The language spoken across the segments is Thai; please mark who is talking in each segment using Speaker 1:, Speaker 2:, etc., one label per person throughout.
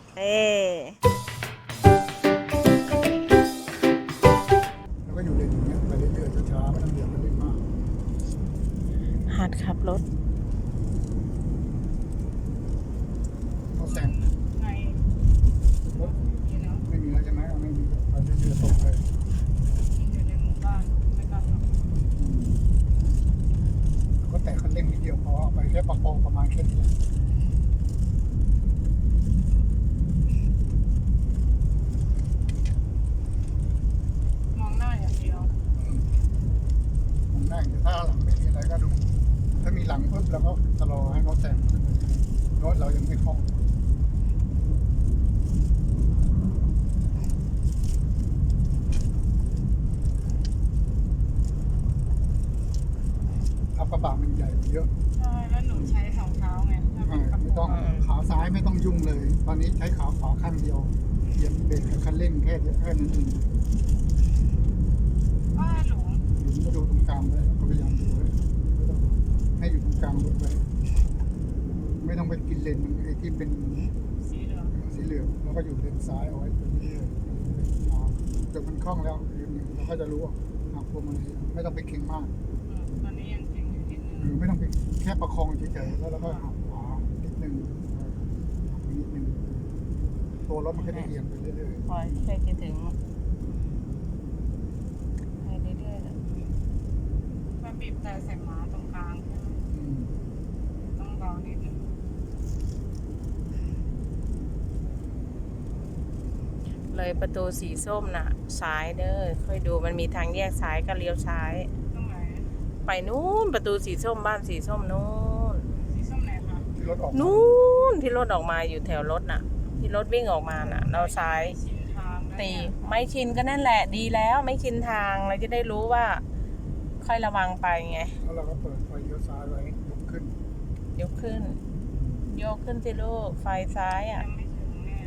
Speaker 1: เอ๊
Speaker 2: แล้วก็อยู่เลนอย่างเงี้ยไปเรื่อยๆช้าๆไม่ต้องเดือดมันเล่นมาก
Speaker 1: หัดขับรถ
Speaker 2: เขาแซง
Speaker 3: ใน
Speaker 2: รถไม่มีแล้วใช่ไหมไม่มีไปเรื่อยๆตกเลย
Speaker 3: อยู่ในหมู่บ้านไม่กล้าขับ
Speaker 2: ก็แตะคันเร่งนิดเดียวพอไปแค่ประมาณแค่นี้แหละ
Speaker 3: มองหน้าอย่างเดียว
Speaker 2: ผมนั่งอยู่ถ้าหลังไม่มีอะไรก็ดูถ้ามีหลังปุ๊บเราก็ชะลอให้เขาแซงรถเรายังไม่คล่องขับกระบะมันใหญ่กว่าเยอะ
Speaker 3: ใช่แล้วหนูใช้สองเท้าไงถ้าเป็นกระ
Speaker 2: ไม่
Speaker 3: โปร
Speaker 2: ต้อง
Speaker 3: ง
Speaker 2: ขาซ้ายไม่ต้องยุ่งเลย ตอนนี้ใช้ขาขวาข้างเดียวเหยียบเบรกกับคันเร่งแค่นั้นเอง
Speaker 3: ว่าหลง
Speaker 2: หลุมก็ดูตรงกลางไว้ก็พยายามดูไว้ไม่ต้องให้อยู่ตรงกลางรถไว้ไม่ต้องไปกินเลนมันไอ้ที่เป็น
Speaker 3: สีเหลือง
Speaker 2: สีเหลืองแล้วก็อยู่เลนซ้ายเอาไว้ตรงนี้เลยจนมันคล่องแล้วเราก็จะรู้ว่าหักพวงมาลัยไม่ต้องไปเก่งมาก
Speaker 3: ตอนนี้ยังเก่งอยู่นิดนึง
Speaker 2: หรือไม่ต้องไปแค่ประคองเฉยๆแล้วเราก็หักขวานิดนึงหักนิดนึงตัวรถมันก็จะเอียงไปเรื่อย
Speaker 1: คอยใกล้จะถึงไปเรื่อยๆเลย
Speaker 3: มันบีบแต่ใส่หมาตรงกลางใช่ไหม
Speaker 2: ๆ
Speaker 3: ต้องเบานิดนึง
Speaker 1: เลยประตูสีส้มน่ะซ้ายเด้อค่อยดูมันมีทางแยกซ้ายก็เลี้ยวซ้าย
Speaker 3: ตรงไหน
Speaker 1: ไปนู้นประตูสีส้มบ้านสีส้มนู้น
Speaker 3: สีส้มไหนคะ
Speaker 2: ที่รถออก
Speaker 1: นู้นที่รถออกมาอยู่แถวรถน่ะ ที่รถวิ่งออกมาน่ะ เราซ้าย
Speaker 3: ชินทางแล้ว
Speaker 1: ตี
Speaker 3: เนี่ย
Speaker 1: ไม่ชินก็นั่นแหละดีแล้วไม่ชินทางเราจะได้รู้ว่า ค่อยระวังไปไง
Speaker 2: แล้วเราก็เปิดไฟเลี้ยวซ้ายไว้ยกขึ้น
Speaker 1: ยกขึ้นยกขึ้นสิลูกไฟซ้ายอ่ะ
Speaker 3: ยังไม่ถึงเนี่ย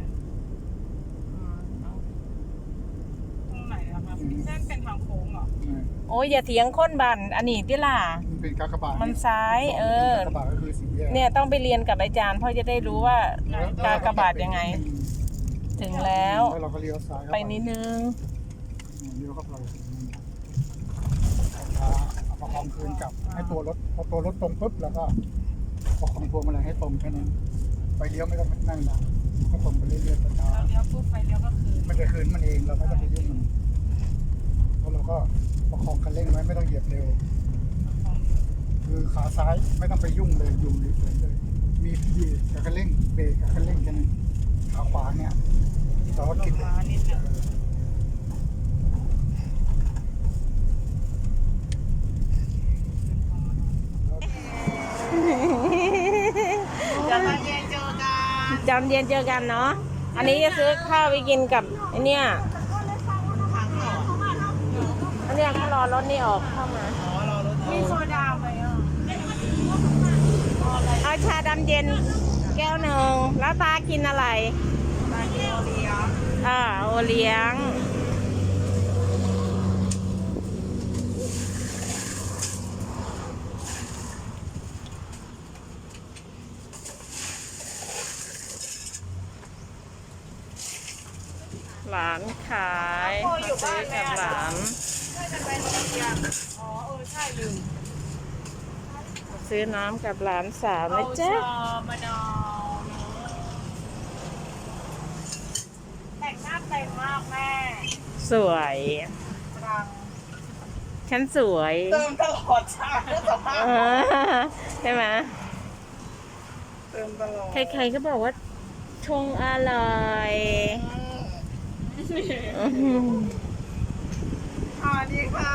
Speaker 3: ตรงไหนอะคะเส้นเป็นทางโค้งเหรอ
Speaker 1: โอ้ยอย่าเถียงคนบันอันนี้ที่ล่ะ
Speaker 2: มันเป็นกากบาท
Speaker 1: มันซ้าย
Speaker 2: กากบาทก็คือสีแยก
Speaker 1: เนี่ยต้องไปเรียนกับอาจารย์เพราะจะได้รู้ว่ากากบาทยังไง ถึงแล้ว
Speaker 2: แล้วเราก็เลี้ยวซ้าย
Speaker 1: ไปนิดนึง
Speaker 2: เลี้ยวเข้าไปเอาประคองคืนกลับให้ตัวรถพอตัวรถตรงปุ๊บแล้วก็ประคองพวงมาลัยให้ตรงแค่นั้นไปเลี้ยวไม่ต้องนั่งนะก็ตรงไปเรื่อยๆช้า
Speaker 3: เราเลี้ยวปุ๊บไฟเลี้ยวก็คือ
Speaker 2: ๆมันจะคืนมันเองเราไม่ต้องไปยุ่งมันแล้วเราก็ประคองคันเร่งไว้ไม่ต้องเหยียบเร็ว คือขาซ้ายไม่ต้องไปยุ่งเลยอยู่เฉยๆเลยมีเบรกกับคันเร่งเบรกกับคันเร่งแค่นั้นขาขวาเนี่ยเราก็
Speaker 3: ล
Speaker 2: คิด
Speaker 3: งมานิดนึงจะมาเย็นเจอกัน
Speaker 1: จำเย็นเจอกันเนาะอันนี้จะซื้อข้าวไปกินกับไอเนี่ยอันเนี้ยก็รอรถนี่ออกเข้ามา
Speaker 3: มีโซดาไหมอ่ะ
Speaker 1: เอาชาดำเย็นแก้วหนึ่งแล้วตากินอะไร
Speaker 3: มาเดียวเลี้ยง
Speaker 1: โอเลี้ยงหลานขายมาซื้อกับหลาน
Speaker 3: จะไปโรงเรียนอ๋อใช่ลืม
Speaker 1: ซื้อน้ำกับหลานสาวนะจ๊ะ
Speaker 3: มะนาวแต่งหน้าเต็มมากแม่
Speaker 1: สวย
Speaker 3: ตรัง
Speaker 1: ฉันสวย
Speaker 3: เติมตลอดชาติสภาพ
Speaker 1: ใช่ไหม
Speaker 3: เติมตลอด
Speaker 1: ใครๆก็บอกว่าชงอร่อยอื้อหือ
Speaker 3: สวัสดีค่ะ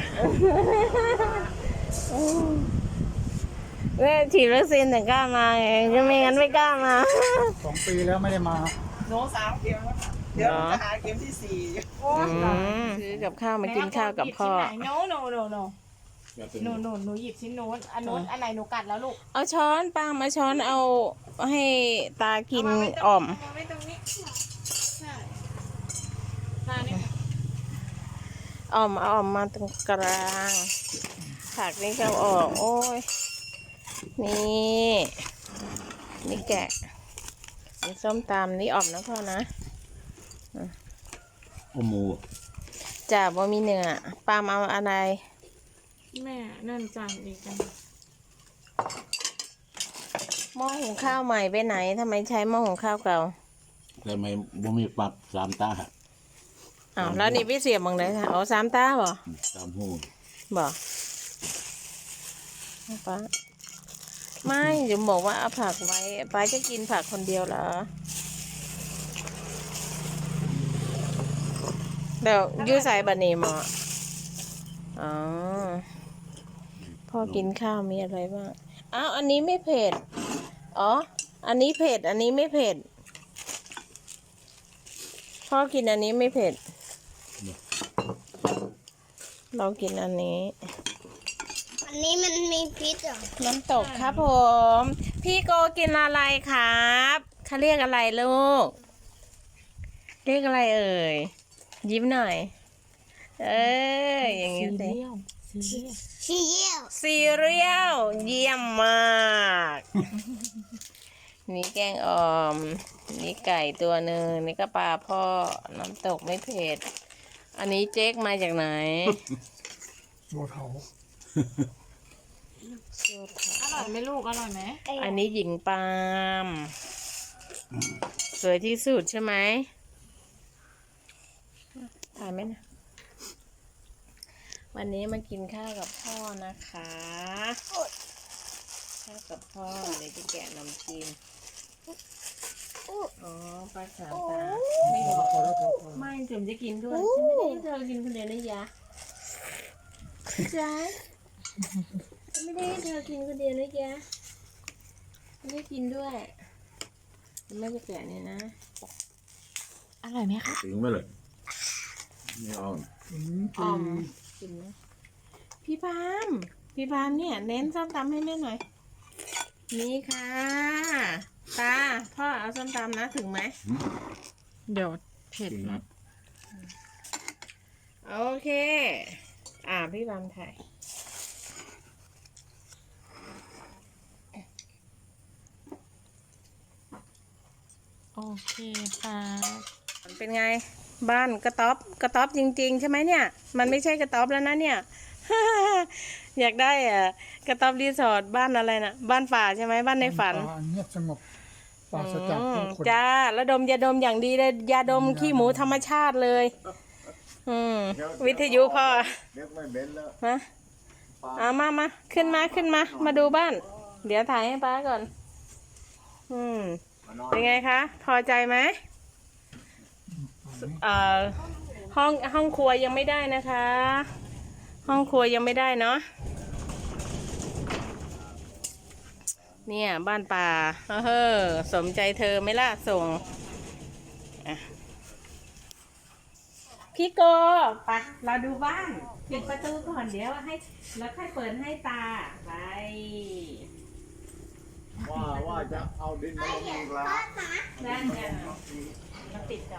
Speaker 1: เนี่ยฉีดวัคซีนถึงกล้ามาไงก็ไม่งั้นไม่กล้ามา
Speaker 2: 2 ปีแล้วไม่ได้มา
Speaker 3: หนู3 เข็มแล้วค่ะเดี๋ยวจะหาเข็มที่4โอ้ย
Speaker 1: ซื้อกับข้าวมากินข้าวกับพ่อ
Speaker 3: โนหนูหยิบชิ้นโน้นอันโน้นอันไหนหนูกัดแล้วลูก
Speaker 1: เอาช้อนป้ามาช้อนเอาให้ตากินอ่อม
Speaker 3: เอาไว้ตรงนี้ใช่มาเนี่ย
Speaker 1: อ่อมเอาอ่อมมาตรงกลางผักนี่ก็ออกโอ้ยนี่แกะกินส้มตำนี่อ่อมนะพ่อนะ
Speaker 4: โอหมู
Speaker 1: จ้าบ่มีเนื้อปาล์มเอาอะไร
Speaker 5: แม่นั่นจานอีกกัน
Speaker 1: หม้อหุงข้าวใหม่ไปไหนทำไมใช้หม้อหุงข้าวเก่า
Speaker 4: แต่ไม่บ่มีปรับสามตา
Speaker 1: อ้าวแล้วนี่พี่เสียบบังเลยค่ะเอาสามตาบ่
Speaker 4: สามหู
Speaker 1: บ่ป้าไม่เดี๋ยวบอกว่าเอาผักไว้ป้าจะกินผักคนเดียวเหรอเดี๋ยวยูใส่บะหมี่หมออ๋อพ่อกินข้าวมีอะไรบ้างอ้าวอันนี้ไม่เผ็ดอ๋ออันนี้เผ็ดอันนี้ไม่เผ็ดพ่อกินอันนี้ไม่เผ็ดเรากินอันนี้
Speaker 6: อันนี้มันมีพิษเหรอ
Speaker 1: น้ำตกครับผม พี่โกกินอะไรครับเขาเรียกอะไรลูก เรียกอะไรเอ่ย ยิ้มหน่อย เอ้ยอย่างนี้สิ
Speaker 6: ซีเรียล
Speaker 1: ซีเรียลเยี่ยมมาก นี่แกงอ่อม นี่ไก่ตัวหนึ่งนี่ก็ปลาพ่อ น้ำตกไม่เผ็ด อันนี้เจ๊กมาจากไหน
Speaker 2: บัวเถา
Speaker 5: อร่อยไหมลูกอร่อยไหม
Speaker 1: อันนี้หญิงปาล์มสวยที่สุดใช่ไหมถ่ายไหมนะ วันนี้มากินข้าวกับพ่อนะคะข้าวกับพ่อเดี๋ยวจะแกะนมจีนอ๋อปลาสามตาไม่บอก
Speaker 2: พอแล้วพอ
Speaker 1: ไม่ถึงจะกินด้วยฉันไม่ได้ให้เธอกินคนเดียวนะยะจ๊ะฉันไม่ได้ให้เธอกินคนเดียวนะยะไม่ได้กินด้วยไม่จะแกะเนี่ยนะ
Speaker 5: อร่อยไหมคะ
Speaker 4: ถึงไหมเลยไม่เอา
Speaker 1: อ่อมกินนะพี่พามเนี่ยเน้นส้มตำให้แม่หน่อยนี่ค่ะตาพ่อเอาส้มตำนะถึงไหม
Speaker 5: เดี๋ยวเผ็ด
Speaker 4: ถึง
Speaker 5: นะ
Speaker 4: นะ
Speaker 1: โอเคพี่พามถ่าย
Speaker 5: โอเคค่ะ
Speaker 1: เป็นไงบ้านกระต๊อบจริงๆใช่ไหมเนี่ยมันไม่ใช่กระต๊อบแล้วนะเนี่ย อยากได้กระต๊อบรีสอร์ทบ้านอะไรนะบ้านป่าใช่ไหมบ้านในฝัน
Speaker 2: ป่าเงียบสงบปราศจากผู้คน
Speaker 1: จ้าแล้วดมยาดมอย่างดีเลยยาดมขี้หมูธรรมชาติเลย วิทยุพ่อ
Speaker 4: เด็กไม่เบ็นแล้ว
Speaker 1: มามาขึ้นมาดูบ้าน เดี๋ยวถ่ายให้ป้าก่อน เป็นไงคะ พอใจไหมห้องครัวยังไม่ได้นะคะ ห้องครัวยังไม่ได้เนาะเนี่ยบ้านป่าสมใจเธอไหมล่ะส่งพี่โกไปเราดูบ้านปิดประตูก่อนเดี๋ยวให้แล้วค่อยเปิดให้ตาไป
Speaker 4: ว่าจะเอาดินมาลงอีกแล้ว
Speaker 1: นั่นไงมาติดกัน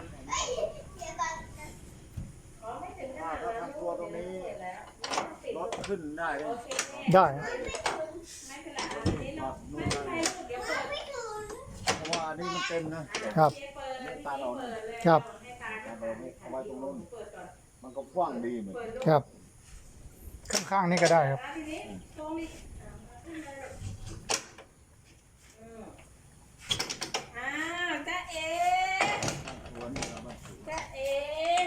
Speaker 1: อ๋อไม่ถึงขนาดนั้น
Speaker 4: ตัวตรงนี้รถขึ้นได้เลย
Speaker 2: ได้
Speaker 1: ไม่เป็นไรอันนี้เราไม่เป็นไรลูกเดี๋ยวเปิด
Speaker 4: เพราะว่าอันนี้มันเต็มนะครับ
Speaker 1: เปิดเลย
Speaker 4: ตาเรา
Speaker 1: เปิดเลย
Speaker 2: ครับ
Speaker 1: ให้ตา
Speaker 4: ตาเราเอาไว้ตรงนู้น
Speaker 1: เปิดก่อน
Speaker 4: มันก็กว้างดีเหมือน
Speaker 1: เปิดลูก
Speaker 2: ครับ ข้างๆนี่ก็ได้ครับ
Speaker 1: ทีนี้ตรงนี้อ้าวจ๊ะเอ๋จ๊ะเอ๋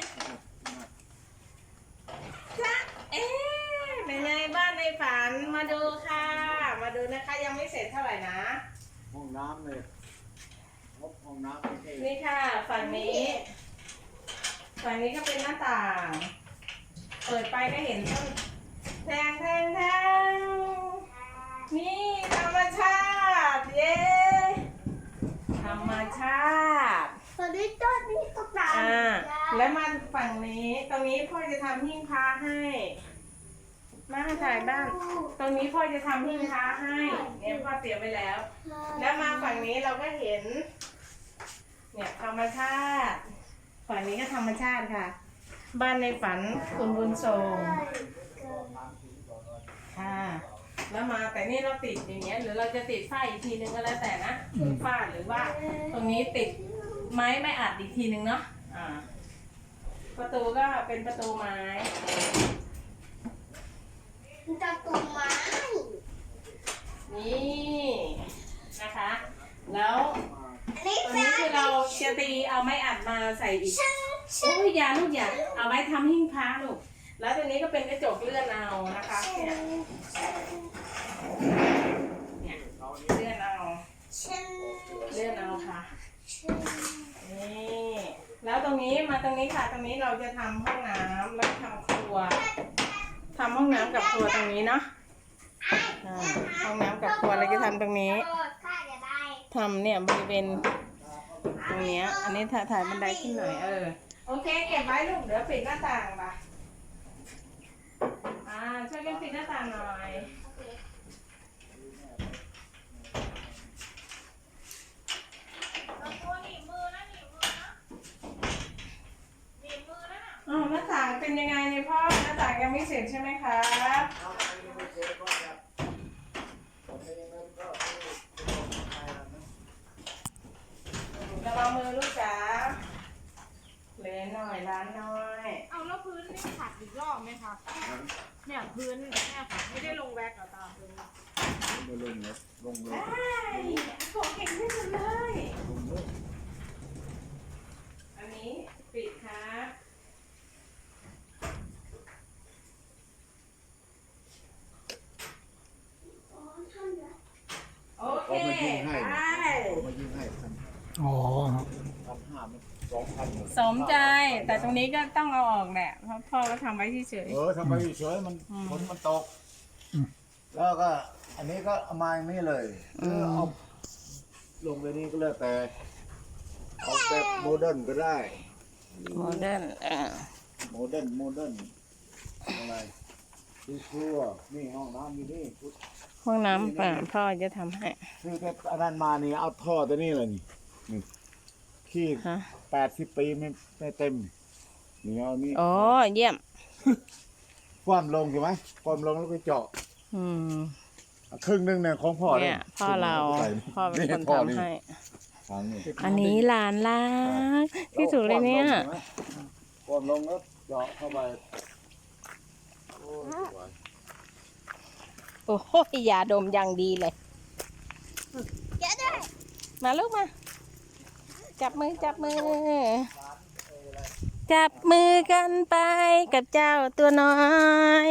Speaker 1: จ๊ะเอ๋เป็นไงบ้านในฝันมาดูค่ะ มาดูนะคะยังไม่เสร็จเท่าไหร่นะ
Speaker 4: ห้องน้ำเลยงบห้องน้ำไม่ใช่
Speaker 1: นี่ค่ะฝั่งนี้ก็เป็นหน้าต่าง เปิดไปก็เห็นต้นแทงนี่ธรรมชาติเย้ธรรมชาติ
Speaker 6: ตอนนี้ต้นนี้ก็ตาม
Speaker 1: แล้วมาฝั่งนี้ตรงนี้พ่อจะทำหิ้งพระให้มาถ่ายบ้านตรงนี้พ่อจะทำหิ้งพระให้เนี่ยพ่อเตรียมไว้แล้ว แล้วมาฝั่งนี้เราก็เห็น เนี่ยธรรมชาติ ฝั่งนี้ก็ธรรมชาติค่ะ บ้านในฝันคุณบุญทรงค่ะแล้วมาแต่นี่เราติดอย่างเงี้ยหรือเราจะติดฝ้าอีกทีนึงก็แล้วแต่นะฝ้าหรือว่าตรงนี้ติดไม้ไม่อัดอีกทีนึงเนาะประตูก็เป็นประตูไม้
Speaker 6: จะตุ่มไม้
Speaker 1: นี่นะคะ แล้ว
Speaker 6: อันนี้
Speaker 1: ตรงนี้คือเราจะตีเอาไม้อัดมาใส่อีกโอ้ยอยาลูกอย่าเอาไว้ทำหิ้งพระลูกแล้วตรงนี้ก็เป็นกระจกเลื่อนเอานะคะเนี่ยเลื่อนเอาเลื่อนเอาค่ะนี่แล้วตรงนี้มาตรงนี้ค่ะตรงนี้เราจะทำห้องน้ำแล้วทำครัวทำห้องน้ำกับครัวตรงนี้เนาะห้องน้ำกับครัวเราจะทำตรงนี้ทำเนี่ยบริเวณตรงเนี้ยอันนี้ถ่ายบันไดขึ้นหน่อยโอเคเก็บไว้ลูกเดี๋ยวปิดหน้าต่างไปช่วยกันปิดหน้าต่างหน่อยหน้าต่างเป็นยังไงเนี่ยพ่อหน้าต่างยังไม่เสร็จใช่ไหมคะระวังมือลูกจ๋าเลยหน่อยร้านน้อย
Speaker 5: เอาแล้วพื้นนี่ขัดอีกรอบไหมคะเนี่ยพื้นเนี่ยค่ะไม่ได้ลงแว็กซ์เหรอตาพื้น
Speaker 4: ไม่ลงเลยลงเลย
Speaker 1: ของเก่งที่สุดเลย
Speaker 4: ลงเลย
Speaker 1: อันนี้ปิดครับโอเค
Speaker 4: เอามายิงให้
Speaker 1: ไป
Speaker 4: เอามายิงให้พัน
Speaker 2: อ๋อครับ
Speaker 4: ห้ามัน2,000
Speaker 1: สมใจแต่ตรงนี้ก็ต้องเอาออกแหละเพราะพ่อก็ทำไว้เฉย
Speaker 4: ทำไมเฉยมันฝนมันตก แล้วก็ อันนี้ก็เอามาอย่างนี้เลยเอาลงไปนี่ก็แล้วแต่เอาแบบโมเดิร์นก็ได้
Speaker 1: โมเดิร์น
Speaker 4: โมเดิร์นอะไรดูครัวนี่ห้องน้ำอยู่นี่
Speaker 1: ห้องน้ำพ่อจะทำให้
Speaker 4: คือแค่อันนั้นมานี่เอาท่อตัวนี้เลยนี่ขี้
Speaker 1: ฮะ
Speaker 4: 80 ปีไม่เต็มนี่เอานี่
Speaker 1: โอ้เยี่ยม
Speaker 4: ความลงใช่ไหมความลงแล้วก็เจาะ
Speaker 1: อืม
Speaker 4: ครึ่งหนึงเนี่ยของพ่อ
Speaker 1: เนี่ยพ่อเราพ่อเป็นคนทำให้
Speaker 4: ทางนี้
Speaker 1: อันนี้หลานรักที่สุดเลยเนี่ย
Speaker 4: ความลงแล้วเจาะเข้าไปโอ้ยสวย
Speaker 1: โอ้โหยาดมอย่างดีเลย
Speaker 6: เดี๋ยวด้วย
Speaker 1: มาลูกมา จับมือจับมือ จับมือกันไปกับเจ้าตัวน้อย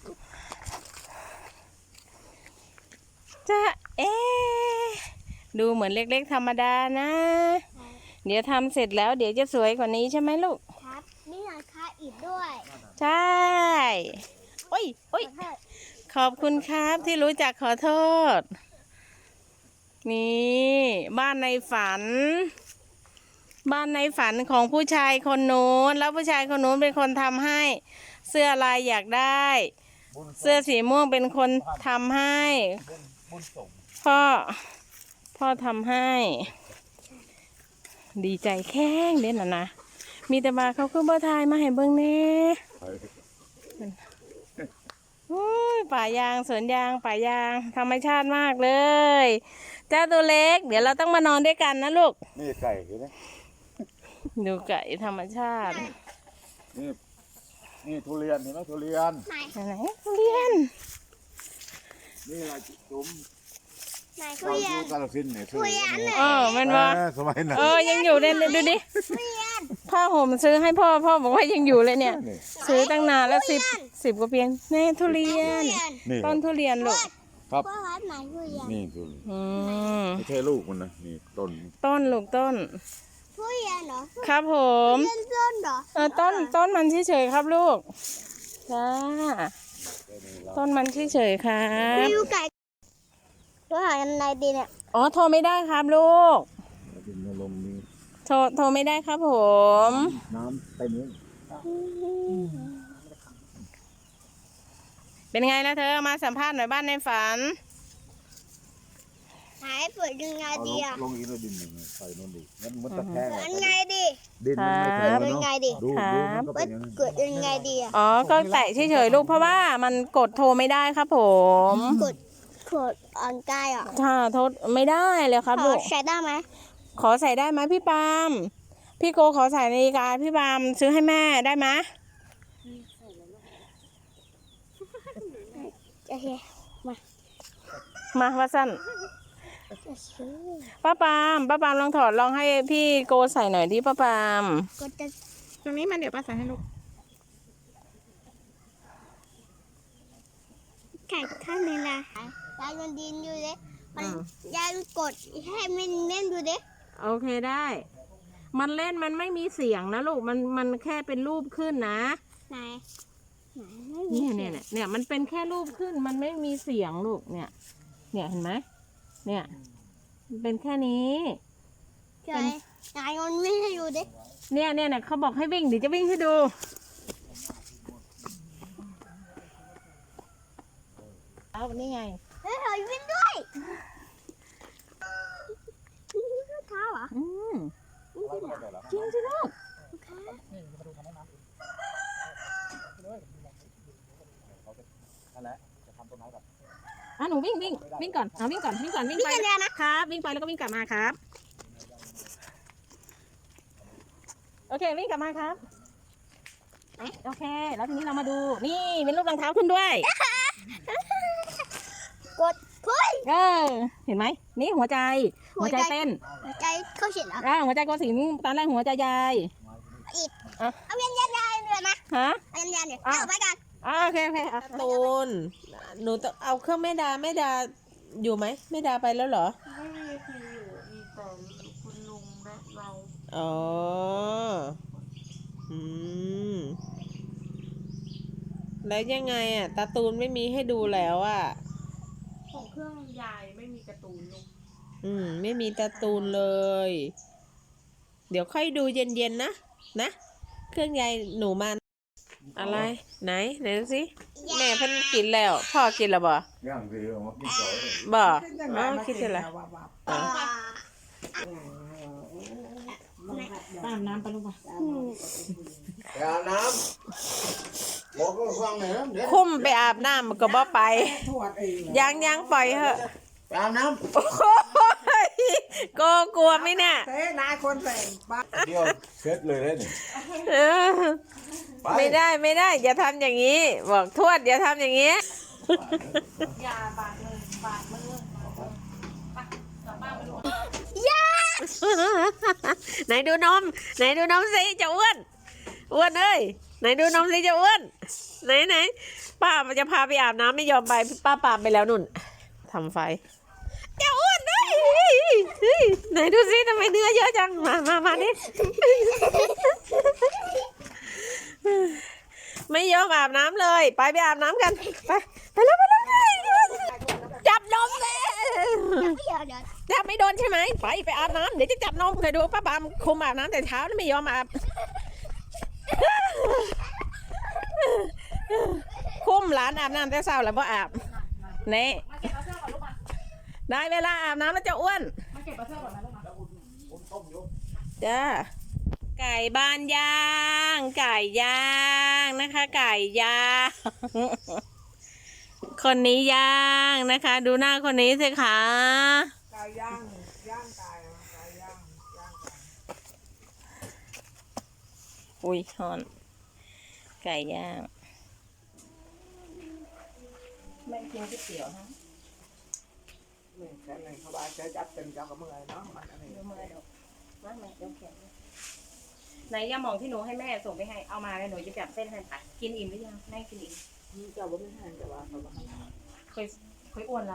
Speaker 1: จะดูเหมือนเล็กๆธรรมดานะ เดี๋ยวทำเสร็จแล้วเดี๋ยวจะสวยกว่านี้ใช่ไหมลูก
Speaker 6: ครับนี่หลังคาอิฐด้วย
Speaker 1: ใช่โอ้ยโอ้ย ขอบคุณครับที่รู้จักขอโทษ นี่บ้านในฝัน บ้านในฝันของผู้ชายคนนู้นแล้วผู้ชายคนนู้นเป็นคนทำให้ เสื้อลายอยากได้ เสื้อสีม่วงเป็นคนทำให้
Speaker 4: บุญส่ง
Speaker 1: พ่อทำให้ ดีใจแข้งเด่นนะมีแต่มาเขาคือบ่ทายมาให้เบิ่งแน่อุ้ยป่ายางสวนยางป่ายางธรรมชาติมากเลย เจ้าตัวเล็ก เดี๋ยวเราต้องมานอนด้วยกันนะลูก
Speaker 4: นี่ไก่เห็นไหม
Speaker 1: ดูไก่ธรรมชาติ
Speaker 4: นี่ทุเรียนเห็นไหมทุเรียน
Speaker 1: ไหนทุเรียน
Speaker 4: นี่อะไรจุ๋ม
Speaker 6: ไหนทุ
Speaker 4: เรา
Speaker 6: เรีย
Speaker 4: ดู
Speaker 6: น
Speaker 4: กาลสินธุ์เนี่ยทุเรียน
Speaker 1: มันว่า
Speaker 4: สมัยนั้น
Speaker 1: ยังอยู่เลยดูดิผ้าห่มซื้อให้พ่อบอกว่ายังอยู่เลยเนี่ย
Speaker 4: นี่
Speaker 1: ซื้อตั้งนานแล้วสิบกว่าปีแน่ทุเรียน
Speaker 4: นี่
Speaker 1: ต้นทุเรียนลูก
Speaker 4: ครับ
Speaker 6: พ่อครับไหนทุเรียน
Speaker 4: นี่ทุเรียน
Speaker 1: อืม
Speaker 4: ไม่ใช่ลูกมันนะนี่ต้น
Speaker 1: ต้นลูกต้น
Speaker 6: ทุเรียนเหรอ
Speaker 1: ครับผม
Speaker 6: ต้นเหรอ
Speaker 1: ต้นมันเฉยๆครับลูกจ้าต้นมันเฉยๆครั
Speaker 6: มี
Speaker 1: บ
Speaker 6: อยู่ไก่ตัวหายังไงดีเนี่ย
Speaker 1: อ๋อโทรไม่ได้ครับลูก
Speaker 4: ดินลมนี่
Speaker 1: โทรไม่ได้ครับผม
Speaker 4: น้ำเต็มเลย
Speaker 1: เป็นไงนะเธอมาสัมภาษณ์หน่อยบ้านในฝัน
Speaker 6: หายเปิดยังไง
Speaker 4: เอา
Speaker 6: ดีอ่ะ
Speaker 4: ลงอีกแล้วดินหนึ่งใส่นู่นดิงั้นมันตะแคง
Speaker 6: เปิด
Speaker 4: อะ
Speaker 6: ยังไงดี
Speaker 4: ดินมันไม่แข็ง
Speaker 6: เปิด
Speaker 4: แล้ว
Speaker 6: ยังไง
Speaker 4: เนาะ
Speaker 6: ดี
Speaker 4: ดูมันก็เป็นอย่างนั้น
Speaker 6: เปิดยังไงดีอ่ะ
Speaker 1: อ๋อ ก็แตะเฉยๆลูกเพราะว่ามันกดโทรไม่ได้ครับผม
Speaker 6: กดออนไลน์อ่ะ
Speaker 1: ถ้าโทรไม่ได้เลยครับ
Speaker 6: ข
Speaker 1: ลู
Speaker 6: อก ใช้ได้ไหม
Speaker 1: ขอใส่ได้ไหมพี่ปาล์มพี่โกขอใส่นาฬิกาพี่ปาล์มซื้อให้แม่ได้ไหม
Speaker 6: โอเค
Speaker 1: มาว่าสั้นป้าปาล์มลองถอดลองให้พี่โกใส่หน่อยดิป้าปาล์ม
Speaker 6: กดจะ
Speaker 5: ตรงนี้มันเดี๋ยวป้าใส่ให้ลูก
Speaker 6: แข่งข้างในนะยายมันดินอยู่เลยมันยายกดให้มันเล่นดูดิ
Speaker 1: โอเคได้ มันเล่นมันไม่มีเสียงนะลูกมันแค่เป็นรูปขึ้นนะ
Speaker 6: ไหนไม่มี
Speaker 1: เนี่ยมันเป็นแค่รูปขึ้นมันไม่มีเสียงลูกเนี่ยเห็นไหมเนี่ยมันเป็นแค่นี้
Speaker 6: ใช่ยายมันไม่ให้ดูดิ
Speaker 1: เนี่ยเขาบอกให้วิ่งเดี๋ยวจะวิ่งให้ดูเอานี่ไง
Speaker 6: เฮ้ยถอยวิ่งด้วยเท้าเหรอ
Speaker 1: อืมจริงสิลูกอ่ะหนูวิ่งก่อนวิ่งก่อนวิ่งไป
Speaker 6: วิ่งกันเลยนะครับ
Speaker 1: วิ่งไปแล้วก็วิ่งกลับมาครับโอเควิ่งกลับมาครับโอเคแล้วทีนี้เรามาดูนี่เป็นรูปรองเท้าขึ้นด้วย
Speaker 6: กดพุ้ย
Speaker 1: เห็นไหมนี่หัวใจเต้น
Speaker 6: หัวใจเข้าเฉียดเหรอ
Speaker 1: หัวใจโกสินตอนแรกหัวใจยาย
Speaker 6: เอาเวียนยันยายเรือนะ
Speaker 1: ฮะ
Speaker 6: เอาเวียนยันเดี๋ยวเอาไปกัน
Speaker 1: โอเคอ่ะ
Speaker 7: ตูนหนูต้องเอาเครื่องแม่ดาอยู่ไหมแม่ดาไปแล้วเหรอ
Speaker 5: ไม่มีใครอยู่ มีแต่คุณลุงและเรา
Speaker 7: อ๋อ อืม แล้วยังไงอ่ะตาตูนไม่มีให้ดูแล้วอ่ะ
Speaker 5: ของเครื่องยายไม่มีการ์ตูนลูก
Speaker 7: ไม่มีตาตูนเลย เดี๋ยวค่อยดูเย็นๆนะ เครื่องยายหนูมันอะไรไหนดูสิแม่เพิ่นกินแล้วพ่อกินแล้วบ่
Speaker 4: ย่างคือเอามากินต่อเลย
Speaker 7: บ่
Speaker 3: ขึ้นจังห
Speaker 7: อ๋
Speaker 3: วะ
Speaker 7: อ
Speaker 3: มา
Speaker 7: คิดจะละ
Speaker 3: วับวับ
Speaker 1: ตามน้ำไปลูกป่ะ
Speaker 4: ไปอาบน้ำบอกก็ฟังหน่อยนะเดี๋ยว
Speaker 7: คุ้มไปอาบน้ำมันก็บ่ไป
Speaker 3: ทวดเอง
Speaker 7: ยังปล่อยเหอะ
Speaker 4: ไปอาบน้
Speaker 7: โอ้ยโกกลัวไหมเนี่ย
Speaker 3: เต้นายคนแต่งบ้า
Speaker 4: ำเดี๋ยวเสร็จเลยได้นี่
Speaker 7: เออไม่ได้อย่าทำอย่างนี้ บอกทวดอย่าทำอย่างนี้
Speaker 5: ยาบาดมือบาดมือ
Speaker 7: ไหนดูนมสิจะอ้วนเอ้ยไหนดูนมสิจะอ้วนไหนป้ามันจะพาไปอาบน้ำไม่ยอมไปป้าปามไปแล้วนุ่นทำไฟจะอ้วนเลยไหนดูสิทำไมเนื้อเยอะจังมาดิไม่ยอมอาบน้ำเลยไปอาบน้ำกันไปแล้วจับนมเลย
Speaker 6: เดี๋ยว
Speaker 7: จับไม่โดนใช่ไหมไปอาบน้ำเดี๋ยวจะจับนมเคยดูป้าปามคุมอาบน้ำแต่เช้าไม่ยอมอาบคุมหลานอาบน้ำแต่เช้าแล้วพ่อาบนี่
Speaker 5: มาเก็บปลาเสื้อก่อนลูกมา
Speaker 7: ได้เวลาอาบน้ำแล้วจะอ้วน
Speaker 5: มาเก็บปลาเสื้อก่อนนะลูกมา
Speaker 7: จ้าไก่บ้านย่างนะคะไก่ย่างคนนี้ย่างนะคะ ดูหน้าคนนี้สิคะ
Speaker 3: กายย่างย่างกายย่าง
Speaker 1: อุ้ยฮอนไก่ย่างไม่กินก๋วยเตี๋ยวนะ
Speaker 3: นี่แค่ไหนเขาบาจะจับเป็นเจ้ากับเมื่อยเนาะมันอันนี้
Speaker 1: เดี๋ยวมาเดี๋ยวมาเดี๋ยวแข็งไหนยาหมองที่หนูให้แม่ส่งไปให้เอามาแล้วหนูจะจับเส้นให้ตัดกินอิ่มหรือยังแม่กินอิ่ม
Speaker 3: เจ้าบ่ไม่หันแต่ว่าเขาบ่ให้
Speaker 1: เคยอ้วนไร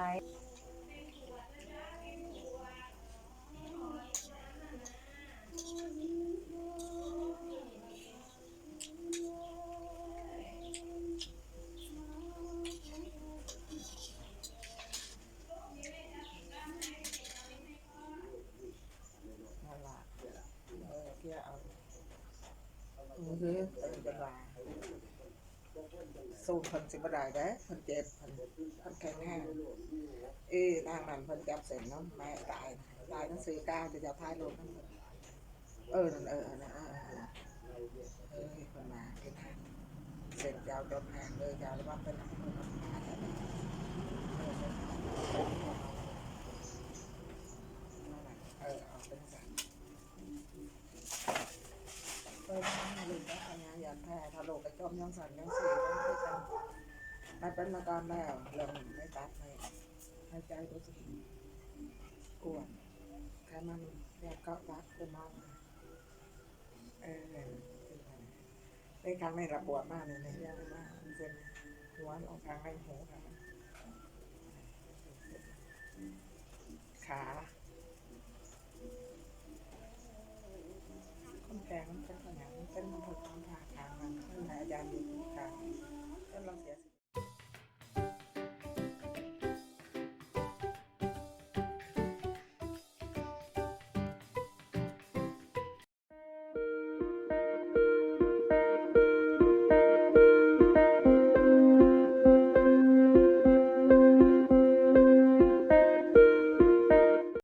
Speaker 3: สู้เพิ่นสิบ่ได้เด้เพิ่นเจ็บเพิ่นแข็งแรงทางนั้นเพิ่นจับเส้นเนาะแม่ตายทั้งสี่ก้าวจะจับท้ายรถนั่นนั่นเพิ่นมาเฮ็ดให้เส้นยาวจนแห้งเลยยาวแล้วว่าเป็นน้ำมันมาแล้วเอาเป็นสันไม่ลืมว่าอันนี้อยากแพ้ถ้าโลกไปจมยังสั่นยังสีไม่เป็นมาการแล้วเริ่มไม่ตัดให้ใจตัวสิอ้วนแค่มันอยากเกาะตัดเป็นมากในครั้งในระบวดมากเลยในเรื่องมากเป็นหัวออกทางในหูค่ะ